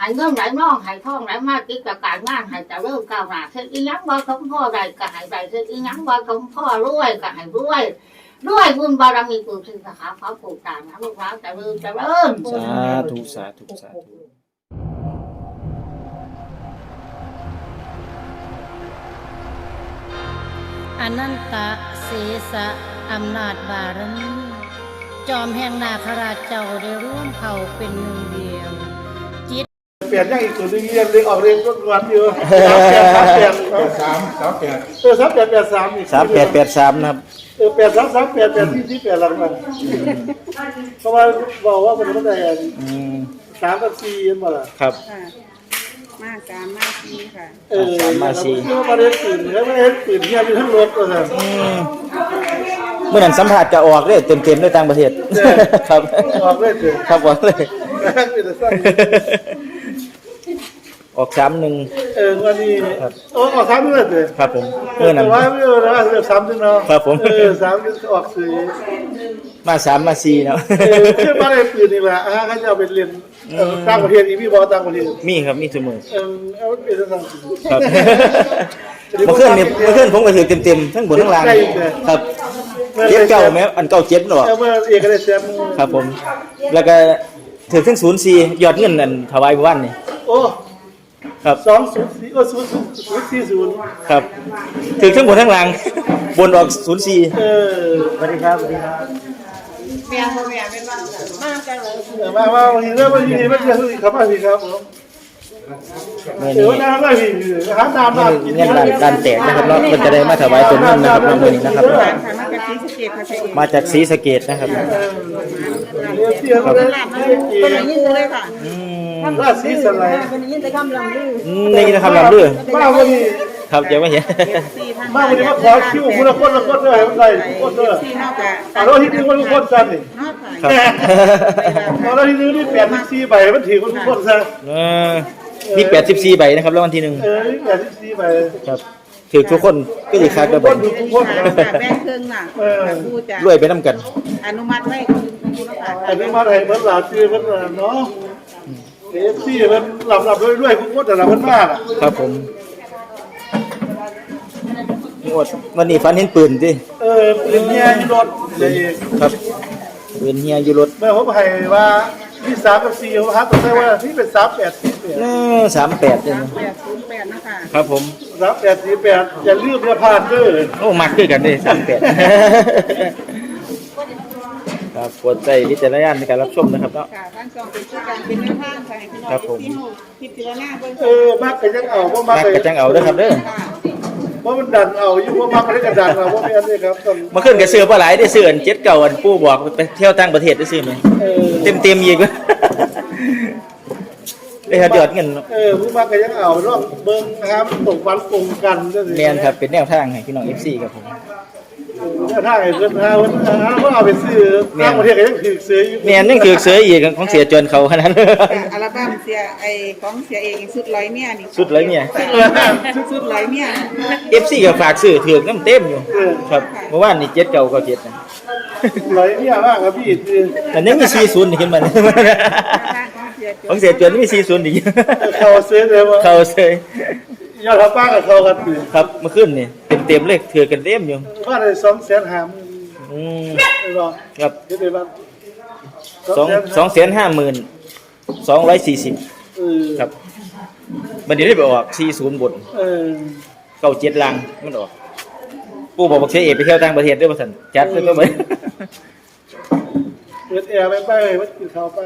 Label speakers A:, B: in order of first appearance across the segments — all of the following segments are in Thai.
A: หายเงินไหลน้องหายทองไหลมากิจการงานหายจะเริ่มก้าวหน้าเช่นอีนังบ่สมพ่อใดก็หายใดเช่นอีนังบ่สมพ่อรวยก็หายรวยด้วยบุญบารมีปู่ศรีสาขาพระปู่ตานะลูกหลานจะเริ่มจะเริ่ม
B: สาธุสาธุสาธุ
C: อนันตะเสสะอำนาจบารมีจอมแห่งนาคราชเจ้าได้ร่วมเผ่าเป็นหนึ่งเดียว
D: เปลี่ยนยังอีกตัวนึงเรียนเลยออกเรียนก็วันเดียว3883อีก
B: 3883นะครับ
D: 8338หลังมันเพราะว่าบอกว่ามันไม่ได้3 กับ 4ยันบ่ล่ะ
B: ครับ
E: ค่ะมาสามมาสี่ค่ะ
D: 3 มา 4มาเรียนตื่นแล้วไม่เห็นตื่นเฮียอยู่ทั้งรถก็ซั่น
B: เมื่อนั้นสัมภาษณ์ก็ออกเลยเต็มๆด้วยต่างประเทศครับ
D: ออกเลยเด้อ
B: ครับออกเลย
D: เป็นซั่น
B: ออก31
D: วันนี้ออก3มื้อเด้อ
B: ครับผมเมื่อนั้น
D: ว่ามื้อละ3นึงเนาะ
B: ครับผม
D: 3ออก4
B: มา3มา4เนาะ
D: คือมาได้ปืนนี่แหละเขาจะเอาไปเรียนต่างประเทศอีกพี่บอกต่างประเทศ
B: มีครับมีทุกมื้อ
D: เอาเป็นต่าง
B: ครับเมื่อคืนผมก็ถือเต็มๆทั้งบนทั้งล่างครับเจ็ดเก้าแม้อันเก้าเจ็ดหรอ
D: เมื่อเอกได้แชมป์
B: ครับผม แล้วก็ถือทั้ง04ยอดเงินอันถวายเมื่อวานนี่
D: โอ้
B: ครับ
D: 204โอ้040
B: ครับถือทั้งบนทั้งล่างบนออก04
D: สวัสดีครับสวัสดีครับ
E: เมียพ่อแม่เป็นบ้านมากจังเลย
D: มาวันนี้เริ่มวันนี้ไม่เจอครับมาพี่ครับผม
B: มื้อ
D: เดี๋
B: นี้
D: ยวน้ำได้พี่หาน้ำมากิน
B: เงินด้านแตกนะครับเนาะมันจะได้มาถวายต้นเงินนะครับมื้อนี้นะครับ
E: ค่ะมาจากศรีสะเกษค่ะเจ๊เอง
B: มาจากศรีสะเกษนะครับ
D: เที่ยวเลย
E: ลาบมาเป็นอย่างนี้เลยค่ะ
D: ราศีสไลด์
E: เป็นอย่างนี้แต่คำลำลือ
B: นี่นะครับลำเด้อ
D: มาวันนี้
B: ครับจะไม่เห็น
D: มาวันนี้มาขอคิวคุณละคนเลยมันได้คนเด้อ
E: ที่นอกจาก
D: เราที่นึงว่าทุกคนสั่นนี่
E: นอก
B: ครับ
D: เราที่นึงนี่84ใบมันถือคนทุกคนซะ
B: มี84ใบนะครับแล้ววันที่1
D: นี่84ใบ
B: ครับถือทุกคนก็สิคัก
D: ทุ
B: กั
D: ก
B: บ
D: คนดูทุกคน
E: ค่ะแบ่งครึ่งน่ะผู้จะ
B: รวยไปนํกัน
E: อนุมัติให้คุณค่ะ
D: อันนี้มาให้เพิ่นหลาชื่อเพิ่นเนาะที่เพิ่นหลับด้วยทุกคนแต่ละเพิ่นมาก
B: ครับผมงวดวันนี้ฝันเห็นปืนสิ
D: ปืนเฮียอยู่รถเลย
B: ครับปืนเฮียอยู่รถ
D: แม่ผมให้ว่าที่3กับ4ผมหาตัวได้ว่าที่เป็น38
B: 38เนี่ย
E: 808นะคะ
B: ครับผม
D: 38อย่าลืมอย่าพลาดเด้อ
B: โอ้มักคือกันเด้38ครับกดใจวิจารณญาณในการรับชมนะครับเนาะ
E: ค่ะท่านจองเป็นชื่อการเป็นแนวทางค่ะให้พี่น้องที่พิจารณาเบิ่ง
D: มักก็ยังเอาบ่มั
B: มั
D: ก
B: กกระจังเอาเด้อครับเด้อ
E: ค่ะ
D: บ่มันดันเอาอยู่บ่มักก็ได้กระดันเอาบ่แม่นเด้ครับต้อง
B: มาขึ้นกับเสือปลาไหลได้เสืออันเจ็ดเก่าอันปู่บอกไปเที่ยวต่างประเทศได้ซื้อไหมเต็มอีกวะเลยครับยอดเงิน
D: ผู้มักก็ยังเอารอบเบิ่งนะครับตกวันตรงกันจังซี่
B: แมนครับเป็นแนวทางให้พี่น้อง FC ครับผม
D: ถ้าให้เพิ่นหาเพิ่นเอาไปซื้อต่างประเทศก็ยังถูกซื้ออยู่
B: แมนนั่นคือเสืออีกของเสียจวนเขาขนาดนั้น
E: อัลบั้มเสียไอของเสียเองสุดร้อยเมียนี่
B: สุดเลยเนี่ย
E: สุดร้อยเมีย
B: FC ก็ฝากซื้อถือกน้ำเต็มอยู่ครับเมื่อวานนี่เจ็ดเก่าก็เจ็ดนะ
D: ไหลเนี่ยมากครับพี่
B: แต่ยังมี40นี่ขึ้นมาของเสียจวนมี40อีก
D: เขาซื้อเลยว่า
B: เขาเซย
D: ยอดป้ากับเขากันอยู่
B: ครับเมื่อคืนนี่เต็มเลยถือกันเต็มอยู่
D: ว่าได้250,000
B: อืม
D: ได้บ่
B: ครับ
D: ได้บ้าง
B: 250,240ครับมันนี้ได้ไปออก40บน97ลังมันออกปู่บอกเสียเอกไปเที่ยวต่างประเทศด้วยว่าซั่นจัดเลยก็ไป
D: เปิดแอร์ไปมันกินข้าวไป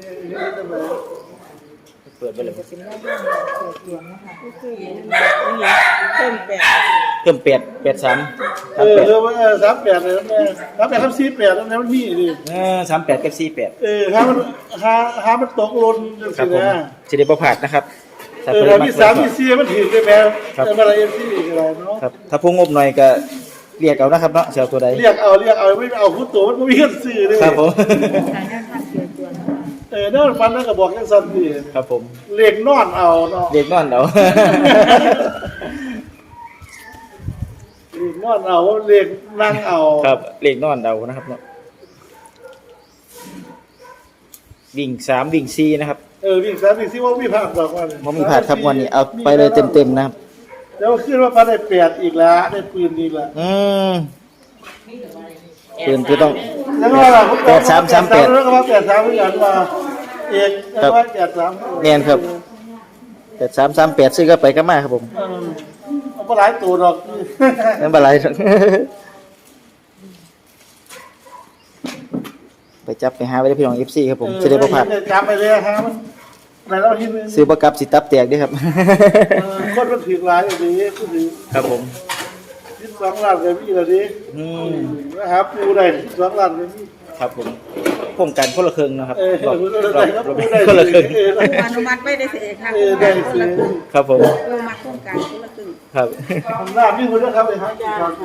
B: เปิดไปเลย
E: เพิ่มแปด
B: เพิ่ม8 83ครับ8
D: ว่า38เลยแม่38ครับ48นั่นมันมีดิ
B: 38กับ48
D: ถ้ามันตกหล่นจัง
B: ครับ
D: ซี่
B: ผม
D: นะ
B: สิได้บ่พลาดนะครับถ้าเพิ่น
D: แล้ว
B: มั
D: มี
B: ก
D: 3มี4มันถือได้แม่แต่มาเอ็มซีอะไรเนาะ
B: ครับถ้าผู้งบหน่อยก็เรียกเอานะครับเนาะสิเอาตัวใด
D: เรียกเอาไม่เอาผู้ตัวมันบ่มีเงินซื้อเด้
B: ครับผม
D: นั่นฟันนั่นก็บอกจังซั่นสิ
B: ครับผม
D: เลขนอนเอาเนาะ
B: เด็กนอนเอา
D: เลขนอนเอาเลขนั่งเอา
B: ครับเลขนอนเอานะครับเนาะวิ่ง3วิ่ง4นะครับ
D: วิ่ง3วิ่ง4ว่ามีภาคดอกว่า
B: บ่มีพลาดครับวันนี้เอาไปเลยเต็มๆนะครับ
D: แล้วขึ้นว่าพาได้8อีกแล้วได้ปืนอีกแล้ว
B: ปืนคือต้อง
D: แล้วก็ว่าผม
B: 8338
D: แล้วก็ว่า83เหมือนกันว่าเอกแล้วว่า83
B: แม่นครับ8338ซื้อก็ไปก็มาครับผม
D: เอาบ่หลายตัวดอก
B: นั่นบ่ไรหรอก ไปจับไปหาไว้ได้พี่น้อง FC ครับผมสิได้บ่พลาด
D: จับไปเลยฮะมันไหนเราเห็น
B: ซื้อบ่กลับสิตับแตกเด้อครับ
D: คนมันถือหลายอยู่ดีผู้ถือ
B: ครับผม
D: 12ล้านก็มีแล้วดินะครับปูได้12ล้านก็มี
B: ครับผมโครงการคนละครึ่งนะครับ
D: เรา
B: คนละครึ่ง
E: อนุมัติไม่ได้เสียค่ะ
D: ได้ซื้อ
B: ครับผม
E: อนุมัติโครงการคนละครึ่ง
B: ครับ
D: ทำหน้ามีคนด้วยครับเลยครับ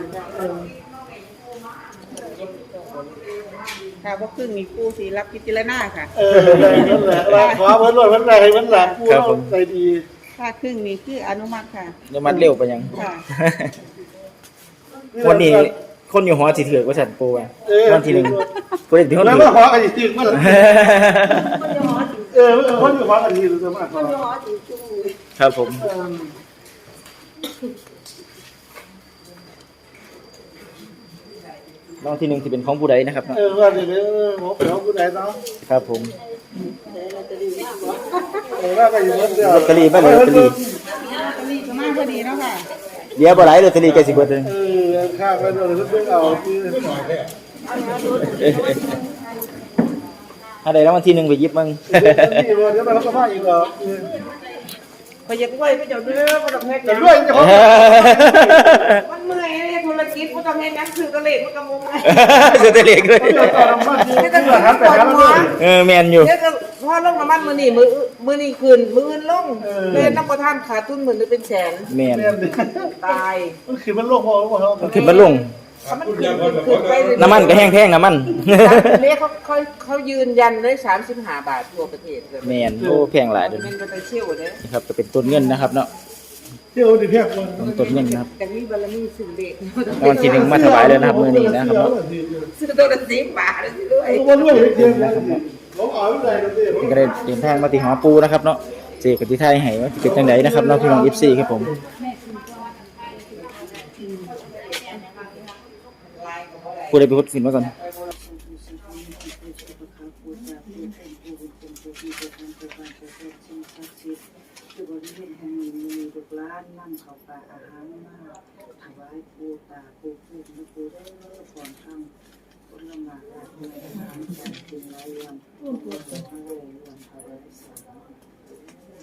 E: ค่ะเพราะครึ่งมีผู้สีรับพิจารณาค่ะ
D: ได้นั่นแหละว่าขอเพิ่นรถเพิ่นได้ให้เพิ่นหลังปูเราใจดี
E: ค่าครึ่งมีคืออนุมัติค่ะ
B: เดี๋ยวมันเร็วไปยัง
E: ค่ะ
B: วันนี้คนอยู่หอสิถือกว่าฉันปูอ่ะวันที่หนึ่งกูได้ถึงคน
D: แล้ว
B: ถื
D: มา
B: อ
D: ขอกันจริงมั้ยคนอยู่ขอกันดีหรือจะมาขอ
B: ครับผมรางวัลที่หนึ่งที่เป็นของผู้ใดนะครับ
D: ว่าเดี๋ยวหมอเป๋าผู้ใดเนาะ
B: ครับผม
D: ว่ากันอยู่เมื่อเดือน
B: ลอตเตอรี่บ้านเลยลอตเตอรี่
E: ก็มีก็มากพอดีเนาะค่ะ
B: เดี๋ยวบ่หลายลอตเตอรี่ใกล้สิเบิดเลย
D: ข้างไปโดนเพิ่งเอาที่
B: ถ้าได้รางวัลที่หนึ่งไปหยิบมั่ง
D: นี่ว่าเดี๋ยวเราก็มาอีกเหรอ
E: พอยากไหวไปเจ้าเด้อบ่ต้องเฮ็ด
D: จะด้วยจะพอ
E: มันเมื่อยเลยธุรกิจบ่ต้องเฮ็ดหยังซื้อตะเลขมันก็งงเลย
B: เสียแต่เล็กเลย
D: ต่อน้ำมันที่จะหาไปหาแล้ว
B: แมนอยู่
E: เดี๋ยวก็พอลงน้ำมันมื้อนี้มื้อนี้คืนมื้ออื่นลงเลยน้ำบ่ทันขาดทุนมื้อนึงเป็นแสน
B: แมน
E: ตาย
D: มันคือมันโลกพอหรือเปล่า
B: มันขึ้นมาลง
E: มันขึ้นไปเรื่อยๆ
B: น้ำมันก็แห้งแพงน้ำมัน
E: เรียกเขายืนยันเลย35 บาททั่วประเทศเลย
B: แมนโอ้แพงหลายเด้อ
E: เป็นไปเชี่ยวเด้อ
B: นี่ครับก็เป็นต้นเงินนะครับเนาะ
D: เที่ยวดิเพียงคน
B: ต้นเงินนะครับ
E: แต่มีบารมีสิ่งเด็ก
B: รางวัลที่หนึ่งมาถวายเลยนะครับมื้อนี้นะครับเนาะ
E: ซื้อตัวละ10 บาทเลยด้วย
D: วันด้วยเที่ยวผมเอาไม่ได้กันดิ
B: ก็ได้เดินทางมาที่หอปูนะครับเนาะเจกับที่ไทยให้ว่าสิเป็นจังไดนะครับเนาะพี่น้อง FC ครับผมผู้ใดไปพูดขึ้นมาก่อน
F: คือบริเวณแห่งนี้มีลูกหลานนำเข้าวปลาอาหารมาถวายปูตาปูพูดและปูได้ก่อนทำผลไม้และเนื้ออาหารจากกินหลายอย่างปูทะเลเรื่องทะเลสาบ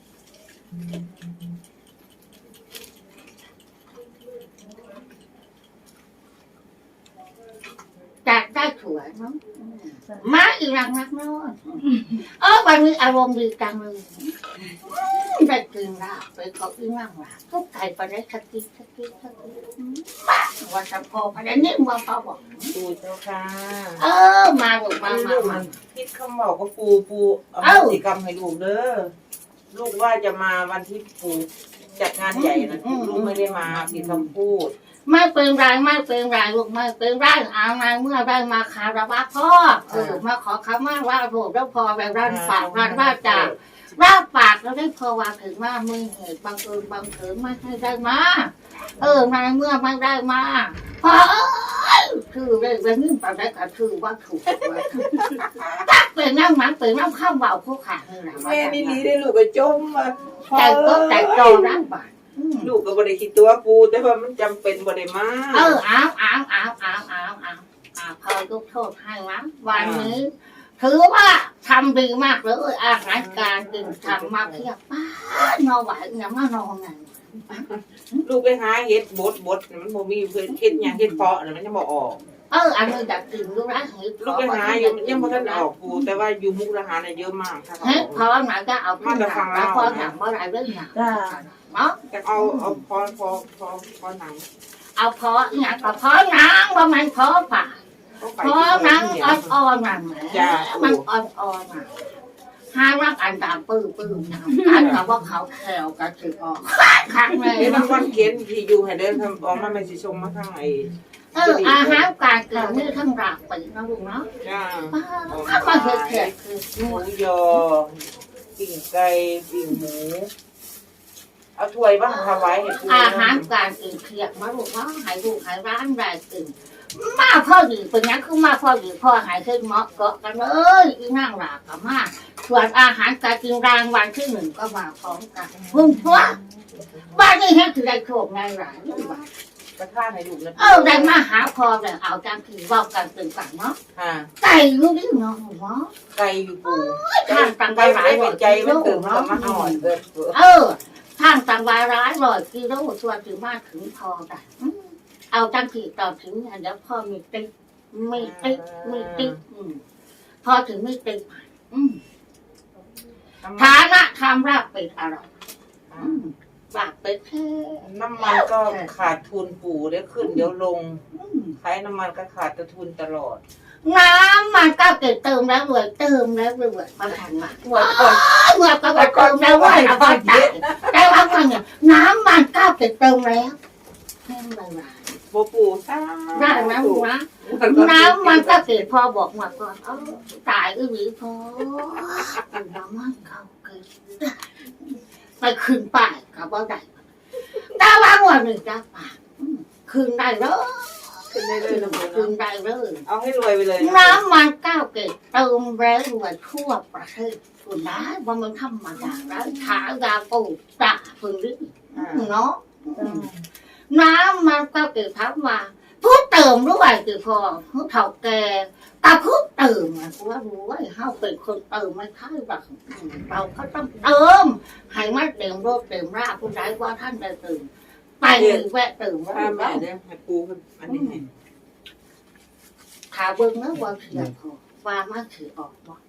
A: จากได้สวยเนาะมาอีกรังนักเนาะวันนี้อารมณ์ดีจังเลยได้กินแล้วไปเขาอีนั่งละทุกไก่ไปได้สักทีป้าวันสัมพอไปได้นิ่มว่าเขาบอก
E: ปูเจ้าค่ะ
A: มาลูกมา
E: คิดคำบอกว่าปูเอากิจกรรมให้ลูกเด้อลูกว่าจะมาวันที่ปูจัดงานใหญ่นะลูกไม่ได้มาผิดคำพูด
A: ไม่เป็นไรไม่เป็นไรลูกไม่เป็นไรเอาไงเมื่อได้มาคารวะพ่อมาขอคำว่าลูกแล้วพอแบบรันฝากรันว่าจ่ารับปากแล้วได้พอว่าถึงว่ามือเหตุบังเอิญบังเอิญไม่ให้ได้มาในเมื่อไม่ได้มาพอคือได้เรื่องไปได้ก็คือว่าถูกตักเป็นน้ำมันเป็นน้ำข้าวเบาผู้ขาดเลยนะ
E: แม่นี่ลีได้ลูกก็จมมา
A: ใจก็ใจโตร่างบาด
E: ลูกก็บ่ได้คิดตัวปูแต่ว่ามันจำเป็นบ่ได้มา
A: อ้าวพอยกโทษให้วะวันนี้ถือว่าทำดีมากเลยอาหารการกินทำมาเพียบป้านอนไหวเนี่ยมานอนไง
E: ลูกไปหาเฮ็ดบดมันบ่มีเพิ่นเฮ็ดหยังเฮ็ดเพาะน่ะมันยังบ่ออก
A: อันนี้อยากกินดูนะเฮ้ย
E: ลูกไปหาอยู่ยังบ่ทันออกปูแต่ว่าอยู่มุกดาหารน่ะเยอะมากค่ะ
A: เฮ้ยพอหนาก็เอาขึ้นหนังแล้วพอหนังเมื่อไรเรื่องหนังเนาะ
E: แต่เอาพอหนัง
A: เอาพอหนังก็พอหนังว่ามันพอป่าพอหนังอ่อนๆหนังมันอ่อนๆหนังห้ารักอันตามปื้อการกับว่าเขาแถวกันถือออกข้างใน
E: มันวันเขียนที่อยู่ให้เดินทำออกมาไม่สิชมมาทางไอ้
A: อาหารการกินนี่ทั้งรากไปนะลูกเนาะ
E: จ้า
A: ถ้ามาเห็ดแขกคือ
E: หมูยอปิ่งไก่ปิ่งหมูเอาถ้วยบ้างถวายให้ปู่
A: อาหารการอื่นเครียดมาลูกว่าหายลูกหายร้านได้ตื่นมาพ่อดีเป็นงั้นคือมาพ่อดีพ่อหายขึ้นเหมาะเกาะกันเลยอีนั่งหลากับมาส่วนอาหารการกินรางวัลที่ 1ก็มาพร้อมกันพุ่งพัวบ้านนี้แค่คือได้โชคในหลาย
E: กระท่าให้ลูกนะ
A: ได้มาหาพอเลยเอาจังคือเว่ากันตื่นกันเนาะ
E: ค่ะ
A: ไก่รู้ดิเนาะเนาะ
E: ไก่อยู่ปู่
A: ทางตัง
E: ไก่
A: วา
E: ไม่
A: ร้าย
E: ได้เป็นใจมันตื่นมามาอ่อนเกิน
A: ทางตังวาร้ายร้อยกิโลส่วนถึงมาถึงพอได้เอาจังคือต่อถึงเดี๋ยวพ่อมีติ๊กพอถึงไม่ติ๊กฐานะทำราบเป็ดอร่อยบาปเป็ดแค่
E: น้ำมันก็ขาดทุนปู่เดี๋ยวขึ้นเดี๋ยวลงขายน้ำมันก็ขาดทุนตลอด
A: น้ำมันก็เกิดเติมแล้วรวยเติมแล้วรวยมาทันมา
E: หมดก่อน
A: เมื่อก็เติมแล้วรวยเอาไปจ่ายแต่ว่ามันเนี่ยน้ำมันก็เกิดเติมแล้วแค่ไหน
E: โบปู่ซ่า
A: ได้ไหมลูกนะน้ำมันก็เกิดพอบอกมาก่อนตายหรือพอน้ำมันเขาเกิดไปคืนป่ายกับว่าได้แต่ว่าวันหนึ่งจะป่าคืนได้เลย
E: ขึ้นได้เลยนะปู่
A: คืนได้เลย
E: เอาให้รวยไปเลย
A: น้ำมันก้าวเกิดเติมแล้วรวยทั่วประเทศคุณได้ว่ามันธรรมดาแล้วขายาปูตาพึ่งดิเนาะน้ำมันก็เกิดทับมาพูดเติมด้วยคือพอผู้เฒ่าแก่แต่พูดเติมอ่ะว่ารู้ว่าเฮาเป็นคนเติมไม่ค่อยแบบเราก็ต้องเติมให้มันเต็มรถเต็มราผู้ใดว่าท่านได้เติมไปแวะเติมว่า
E: ถ้าแม่เนี่ยให้ปูอันนี้ให้
A: ขาเบิ้งนะว่าเสียพอว่ามันถือออกบ่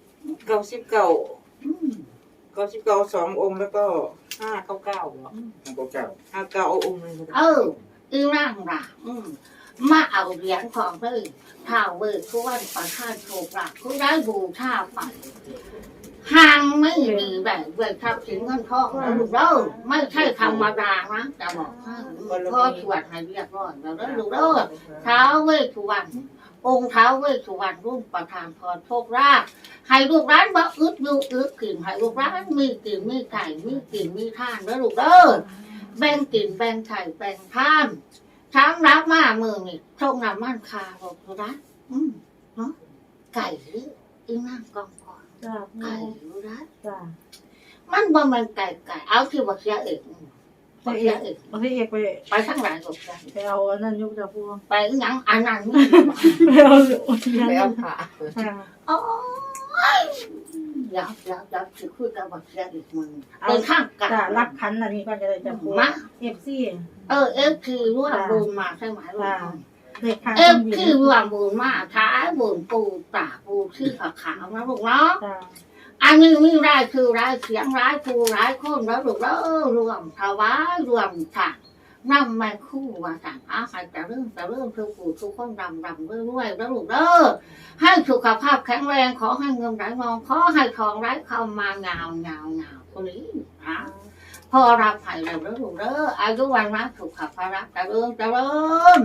E: 99 2 องค์แล้วก็599เหรอ
B: เก่า
E: 59องค์นึง
A: อีร่างร่ามาเอาเหรียญของเลยท้าวเวททุกวันประทานโชคลาภผู้ได้บูชาไปห่างไม่ดีแบบเวททรัพย์สินเงินทองนะลูกเด้อไม่ใช่ธรรมดานะจะบอกให้พ่อสวดให้เรียบร้อยแล้วลูกเด้อท้าวเวททุกวันองค์ท้าวเวทสุวรรณรุ่นประทานพรโชคลาภให้ลูกร้านบ่อึดอยู่อึดกินให้ลูกร้านมีกินมีไก่มีกินมีท่านแล้วลูกเด้อแบ่งกินแบ่งไข่แบ่งท่านช้างรับมามือนี่โชคน้ำมันคาบอกลูกร้านเนาะไก่หรืออีนั่งกองก่อนไก่ลูกร้านมันบ่มันไก่เอาที่บักเสียเอกบักเสียเอก
C: บางทีเอกไป
A: ไปทั้งหลายลูกจ้ะ
C: ไปเอาอันนั้นยกจากพวง
A: ไปหยังอันนั้น
C: ไปเอา
E: ไปเอาผ้า
A: โอ้ยอยากจะคุยกับบักเสียอีกมึงเป็นข้างกัน
C: จะรับคันอันนี้ก็จะได้จากพวง
A: มา
C: เอฟซี
A: เอฟคือร่วมบุญมาใช่ไหมลูก
C: เด็กคัน
A: เอฟคือร่วมบุญมาท้ายบุญปูตาปูชื่อขาวนะลูกเนาะอันนี้มีรายคือรายเสียงรายครูรายคนแล้วลูกแล้วรวมถวายรวมค่ะนำมาคู่ว่าสั่งอาใครจะเริ่มทุกผู้ทุกคนรำเรื่อยๆแล้วลูกเด้อให้สุขภาพแข็งแรงขอให้เงินไหลมองขอให้ทองไหลเข้ามาเงาคนนี้นะพอรับให้แล้วลูกเด้ออายุวันนะสุขภาพจะเริ่ม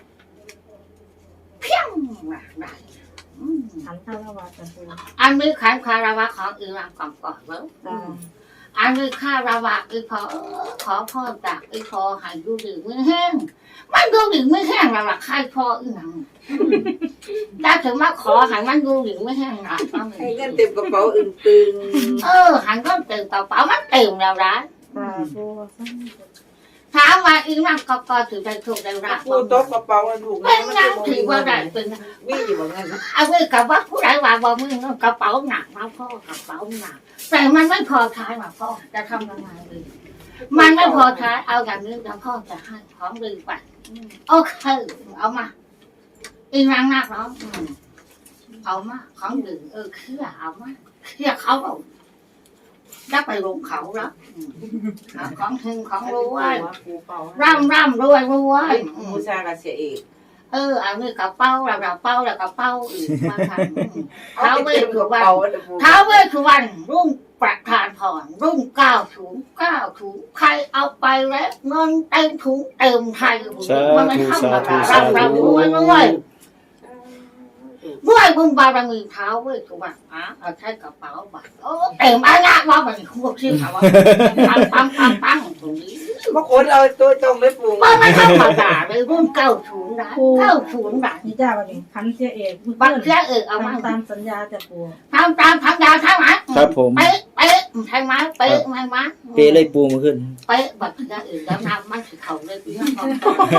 A: เพียงได้
C: ขันข้าวละวาจากพวง
A: อันนี้ขันคาราวะของอีรังก่อนแล้วอันนี้คาราวะอีพอขอพ่อจากอีพอหายดูดีไม่แห้งมันดูดีไม่แห้งเราละใครพออีหนังได้ถึงมาขอหายมันดูดีไม่แห้งหรอก
E: ให้เงินเต็มกระเป๋าอึ้งตึง
A: หันก็เต็มกระเป๋ามันเต็มแล้วนะ
C: พวง
A: ถามว่าอีรังก็ถือได้ถูกได้รับ
E: ปูโต๊ะกระเป๋าถูก
A: เป็นยังถือว่าได้เป็น
E: วิ่งอยู่แบบนั้น
A: เอาไว้กับว่าผู้ใดว่าบ่มึงกระเป๋าหนักนะพ่อกระเป๋าหนักแต่มันไม่พอใช้หรอกพ่อจะทำยังไงดีมันไม่พอใช้เอาอย่างนี้แล้วพ่อจะให้ของดีไปโอเคเอามาอีนางนักเนาะเอามาของดีเคลียเอามาเคลียเขาเอาจะไปลงเขาแล้วของถึงของรวยร่ำรวย
E: บูชากระเสียเอก
A: อันนี้กระเป๋าแล้วกระเป๋าแล้วกระเป๋าอีกมาทำท้าวเวสสุวรรณรุ่งประธานพรรุ่ง90ใครเอาไปแล้วเงินเต็มถุงเต็มไทยมันไม่ธรรมดาร่ำรวยด้วยบุญบารมีเท้าเว้ยทุกวันเอาใช้กระเป๋าบัตรโอ้เต็มอาณาว่ามันควบชื่อเขาว่าปังตรงนี้
E: บางคนเอาตัวตรงเลยปู่
A: มันไม่ธรรมดาเลยรุ่น90ได้90ได้
G: นี่จ้าวันนี้คันเสียเอก
A: บัตรเสียเอามา
G: ตามสัญญาจะปู
A: ทำตามสัญญาใช่ไหม
B: ครับผม
A: เป๊ะใช่ไหมเป๊ะไหมมะ
B: เปเลยปูมาขึ้น
A: เป๊ะบัตรเสียแล้วน้ำมันสิเขาเลยพี่น้อง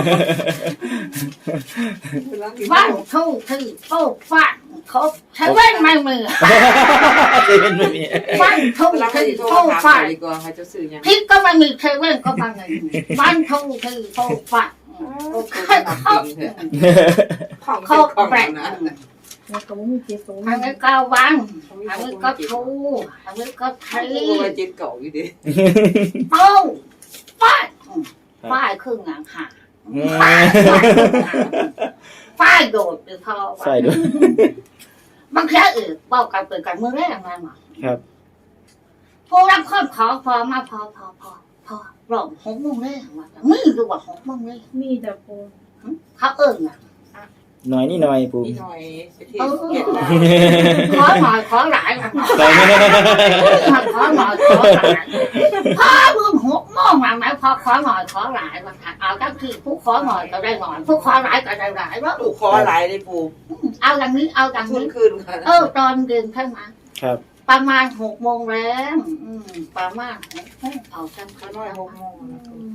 A: บ้านทุ่งที่โป๊ะฟาดเขาใช้เว้นไม่มือ
B: เซเว่นไม่มี
A: บ้านทุ่ง
E: เราไม่
A: ที่
E: ได้โทร
A: โป๊ะ
E: ถาม
A: ฟาด
E: ดีกว่าเขาจะซื้อยัง
A: พิษก็ไม่มีเซเว่นก็ไม่มีบ้านทุ่งที่โป๊ะฟาดเขาแปลก
G: แล้วก็ไม่มีเจ็ดสูง
A: อันนี้ก็วันอันนี้ก็ทูอันนี้ก็ไทย
E: ปู่ว่าจิตเก่าอยู่ดิ
A: โป้งป้ายป้ายครึ่งหลังหาป้ายโดดหรือพอ
B: ใส่ด้วย
A: บางทีอื่นบอกกันเปิดกันมือแรกมาหมด
B: ครับ
A: ผู้รับข้อขอพอมาพอรอบ6 โมงแรกมาไม่รู้ว่า6 โมงแรก
G: มีแต่ปู
A: เขาเอิ้งอ่ะ
B: หน่อยนี่หน่อยปู
E: นี่หน่อยไปเที่ยวเก็บได้
A: ขอหน่อยขอหลายขอหน่อย
B: ใส่ไม่ได้
A: ขอหน่อยขอหลายพ่อรุ่น6 โมงมาไหมพอขอหน่อยขอหลายมาเอาก็คือผู้ขอหน่อยก็ได้หน่อยผู้ขอหลายก็ได้หลายว่า
E: ปู่ขอหลายเลยปู่
A: เอาอย่างนี้เอาอย่าง
E: ทุน
A: นี้
E: คืนค่ะ
A: ตอนเย็นใช่ไหม
B: ครับ
A: ประมาณ6 โมงแล้วประมาณ6 โมงเอาจัง
E: เขาน้อย6 โมง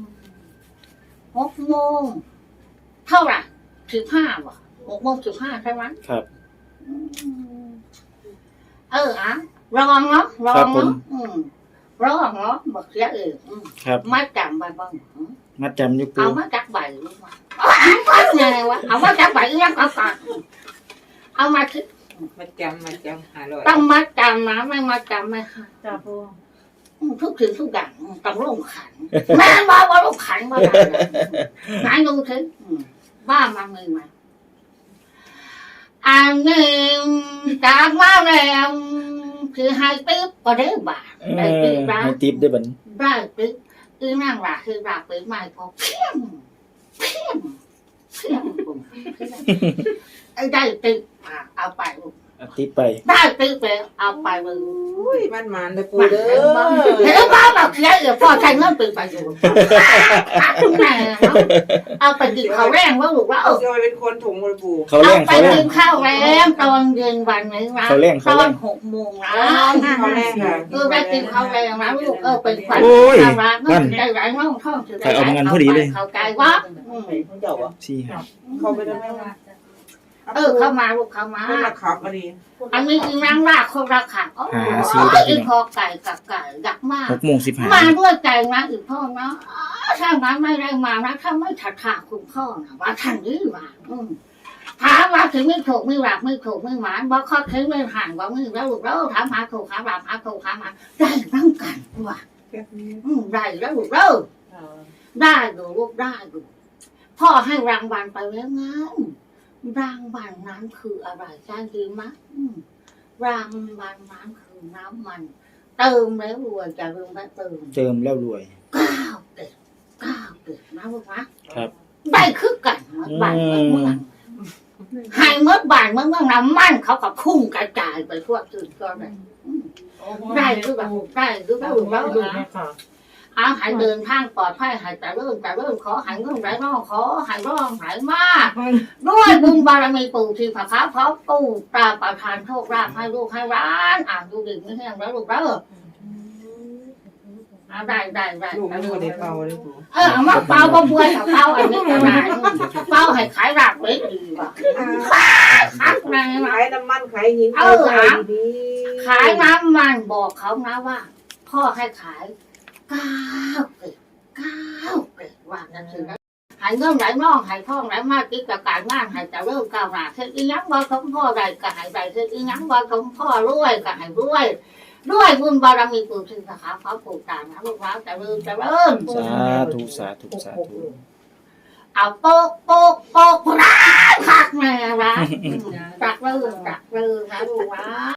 A: 6 โมงเท่าไหร่15ว่ะ6 โมง 15ใช่ไหม
B: ครับ
A: รองเนาะรอ
B: ครั
A: ง
B: บผม
A: เนาะรองเนาะบอกเสีย
B: ครับ
A: มาจำใบบ้าง
B: มัดจำอยู่ปู
A: เอามาจักใบลูกมาเอาไงวะเอามาจักใบยังเอาก่อนเอามาคิด
E: มาจำ500
A: ต้องมาจำนะไม่มาจำไม่ค่ะ
G: จ้าปู
A: ทุกสิ่งทุกอย่างต้องลงขันแม่บอกว่าลงขันมาได้ไหนดูถึงบ้ามันมีไหมอันนี้จากมาแล้วคือให้ติ๊บก็ได้บาทได้ติ๊บได้
B: ให้ทิปได้บัด
A: ได้ติ๊บคือนั่งหลักคือหลักเป็นไม้พอเพี้ยงได้ติ๊บเอาไปลูก
B: เอาทิปไป
A: ได้ติ๊บไปเอาไปมึง
E: อุ้ยมันเลยปู่เด้อ
A: เห็นบ้าแบบเสียเดี๋ยวพ่อใช้เงินเป็นประโยชน์แม่เอาไปกินข้าวแรงว่าลูกว่า
E: เอาจะไปเป็นคนถุงเลยปู่
B: เขา
A: เอา
B: แรง
A: ไป
B: เขาแร
A: กิ
B: ง
A: นข้าวแรงตอนเย็นวันนี้นะ
B: เขาแรง
A: ต
B: เขา
A: อ
B: แร
A: น
B: ง
A: 6 โมงนะ
E: เขาแรกค่ะ
A: ไปกินข้าวแรงนะลูกเป็นขวัญ
B: โอ้ย
A: ร้านนั่นใจร้ายน้องท่องถือ
B: ใครเอามางั้นพอดีเลย
A: เข้าใจว่า
E: เขาเจ้าอ่ะ
B: สี่ครับ
E: เขาไปได้ไหมวะ
A: เข้ามาลูกเข้ามา
E: คนละขับมาดี
A: อันนี้อีนางว่าคนละขับอีพอไก่กับไก่ดักมาก
B: 6:15
A: มาด้วยใจนะอีพ่อเนาะถ้ามันไม่ได้มานะถ้าไม่ถัดขาคุณพ่อนะว่าท่านนี้มาถามว่าถึงไม่ถูกไม่หลับไม่ถูกไม่หวานว่าข้อคิดไม่ห่างว่าไม่แล้วลูกแล้วถามหาถูกหาหลับหาถูกหามาได้ตั้งกันว่ะได้แล้วลูกแล้วได้ดูลูกได้ดูพ่อให้รางวัลไปแล้วงั้นรางวัลนั้นคืออะไรจ้าดีมั้ยรางวัลนั้นคือน้ำมันเติมแล้วรวยจะลืมไปเติม
B: เติมแล้วรวย
A: 9 เด็ดนะลูกนะครับ ได้คือกันบ้านเมืองให้เมื่อบ้านเมืองน้ำมันเขาก็พุ่งกระจายไปทั่วถึงก็ได้คือแบบได้คือแบบแล้วนะให้เดินทางปลอดภัยให้แต่เริ่มขอให้เงินไหลน้องขอให้ร้องไหลมากด้วยบุญบารมีปู่ที่พระค้าพร้อมปู่ตาประทานโชคลาภให้ลูกให้ร้านดูดึกไม่แห้งแล้วลูกแล้วได้
E: ลูกไม่ได้เป่าเลยปู่
A: เอามาเป่าบ่บวยเป่าอันนี้ก็ได้เป่าให้ขายรากไว้ดีว่ะคักแน่ว่ะ
E: ขายน้ำมันขายหินดี
A: ขายน้ำมันบอกเขานะว่า พ่อให้ขาย9 เกตว่านั่นคือนะหายเงินไหลน้องหายทองไหลมากกิจการงานหายจะเริ่มก้าวหน้าเช่นอีหยังว่าของพ่อใดก็หายใดเช่นอีหยังว่าของพ่อรวยก็หายรวยบุญบารมีปู่ชื่อสาขาพระปู่ตานะลูกหลานจะเริ่ม
B: สาธุ
A: เอาโป๊กร้านคักแม่ร้านจักเริ่มนะลูกหลาน